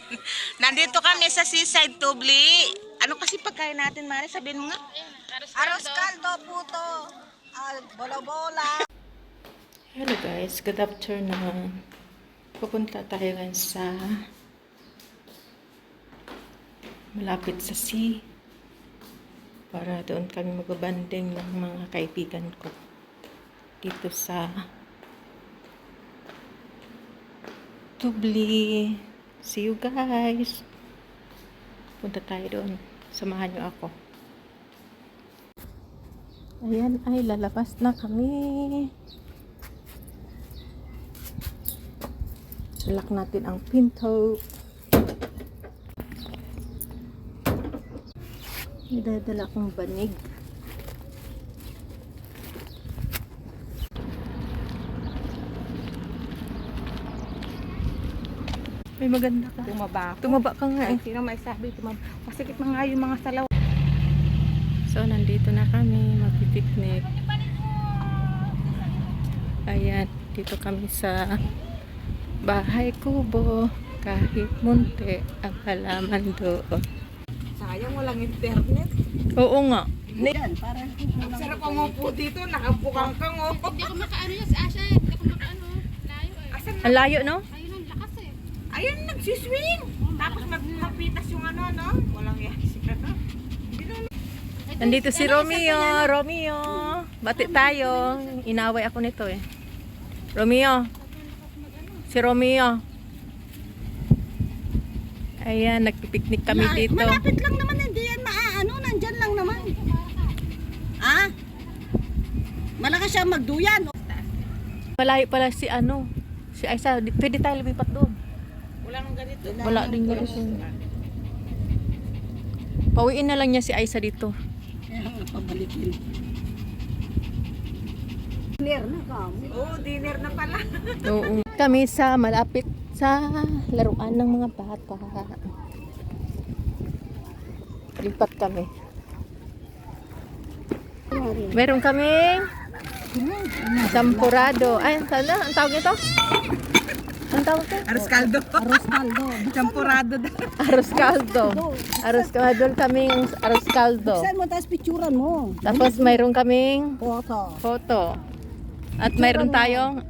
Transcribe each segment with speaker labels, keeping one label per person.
Speaker 1: Nandito kami sa Seaside Tubli. Ano kasi pagkain natin, Mari? Sabihin mo nga.
Speaker 2: Arroz caldo, puto, bola-bola.
Speaker 3: Hello guys, good afternoon. Pupunta tayo ngayon sa malapit sa sea para doon kami magbabanding ng mga kaibigan ko dito sa Tubli. See you guys. Punta tayo doon. Samahan niyo ako. Ayan ay lalabas na kami. Lock natin ang pinto. Idadala kong banig. May maganda ka. Tumaba ka nga eh.
Speaker 1: Sino may sabi? Masikip na nga yung mga salaw.
Speaker 3: So, nandito na kami. Magpipiknik. Ayan. Dito kami sa bahay kubo. Kahit munti ang halaman doon.
Speaker 1: Sayang walang internet.
Speaker 3: Oo nga.
Speaker 2: Yan, parang
Speaker 1: Sarap ang upo dito. Nakapukang kang upo.
Speaker 4: Hindi ko makaano yan si Asha. Hindi ko makaano. Layo eh.
Speaker 1: Asan
Speaker 3: Ang layo, no?
Speaker 4: Ayun ang lakas eh.
Speaker 1: Ayun, nagsiswing. Tapos magpitas yung ano, no? Walang yan siya.
Speaker 3: Nandito si Romeo. Romeo. Bati tayo. Inaway ako nito eh. Romeo. Si Romeo. Ayan, nagpipiknik kami dito.
Speaker 2: malapit lang naman, hindi yan maaano, nandyan lang naman. Ah? Malakas siya magduyan.
Speaker 3: Malayo pala si ano. Si Aisa. Pwede tayo lumipat doon.
Speaker 1: Wala nang ganito.
Speaker 3: Wala din niya ito. Pauwiin na lang niya si Aisa dito.
Speaker 2: Pabalikin. Clear na ka.
Speaker 1: Oo, dinner na pala.
Speaker 3: Oo. Kami sa malapit sa laruan ng mga bata. Lipat kami. Meron kaming champurado. Ay, sana, ang tawag nito? Ang tawag nito?
Speaker 1: Arroz caldo.
Speaker 2: Arroz caldo.
Speaker 1: Champurado daw.
Speaker 3: Arroz caldo. Arroz caldo. Doon kaming arroz caldo.
Speaker 2: Saan mo, tapos picturean mo.
Speaker 3: Tapos mayroon kaming
Speaker 2: Photo.
Speaker 3: photo. At mayroon tayong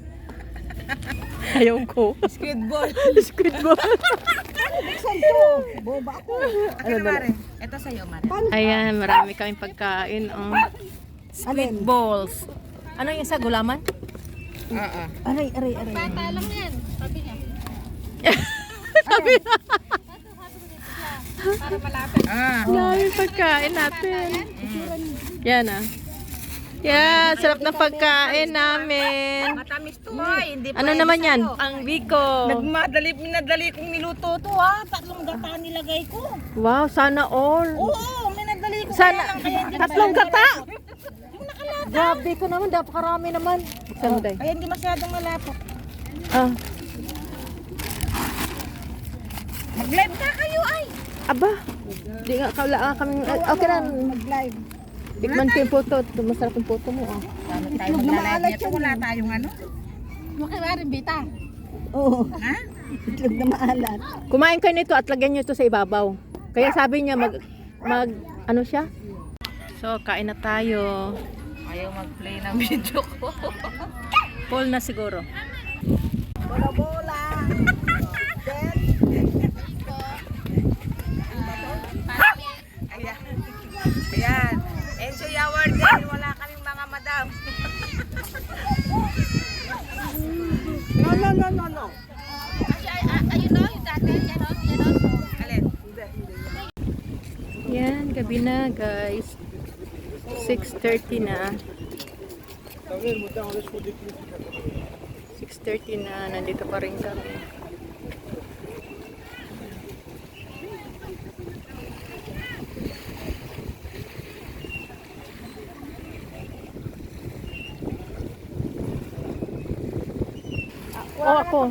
Speaker 3: ayaw ko.
Speaker 1: Squid ball.
Speaker 3: Squid ball.
Speaker 2: Saan to? Boba ako.
Speaker 1: Ano Mare? Ito sa'yo, Mare.
Speaker 3: Ayan, marami kaming pagkain. Oh. Squid
Speaker 2: Alin?
Speaker 3: balls. Ano yung isa? Gulaman?
Speaker 1: Oo.
Speaker 2: Aray.
Speaker 4: Bata lang yan. Sabi niya.
Speaker 1: Para malapit.
Speaker 3: Marami pagkain natin. Yan ah. Yan, sarap na pagkain namin.
Speaker 1: Matamis to ay. Hindi pa
Speaker 3: Ano naman yan? Ang biko.
Speaker 1: Minadali kong niluto to ha. Tatlong gata nilagay ko.
Speaker 3: Wow, sana all.
Speaker 1: Oo, minadali ko.
Speaker 3: Sana,
Speaker 1: kaya hindi
Speaker 3: tatlong gata.
Speaker 1: Yung nakalata.
Speaker 3: Grabe ko naman, napakarami naman. Saan mo, Day?
Speaker 1: Kaya hindi masyadong malapot.
Speaker 3: Ah,
Speaker 1: Mag-live na kayo ay.
Speaker 3: aba. Di nga, kailangan kaming, okay na.
Speaker 2: Mag-live.
Speaker 3: Tikman ko yung photo. Masarap yung photo mo. Oh.
Speaker 1: Paano tayo mag-live nito? Wala tayong ano.
Speaker 4: Makiwarin bita.
Speaker 2: Oo.
Speaker 1: Ha?
Speaker 2: Itlog na maalat.
Speaker 3: Kumain kayo nito at lagyan nyo ito sa ibabaw. Kaya sabi niya ano siya? So, kain na tayo.
Speaker 1: Ayaw mag-play ng video ko.
Speaker 3: Full na siguro.
Speaker 2: Bola-bola.
Speaker 1: Ayan. Ayan. Enjoy our day. Wala kaming mga madam.
Speaker 2: No.
Speaker 4: Ayun o, yung dati. Yan o, yan o.
Speaker 1: Alin?
Speaker 3: Yan, gabi na guys. 6:30 na. 6:30 na. Nandito pa rin kami. Oh, ako.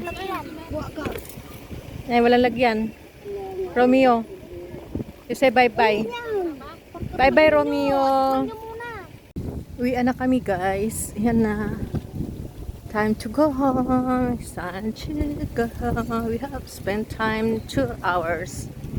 Speaker 3: Ay, walang lagyan. Romeo. You say bye-bye. Bye-bye, Romeo. Uwi na kami, guys. Yan na. Time to go home. It's time to go home. We have spent time 2 hours.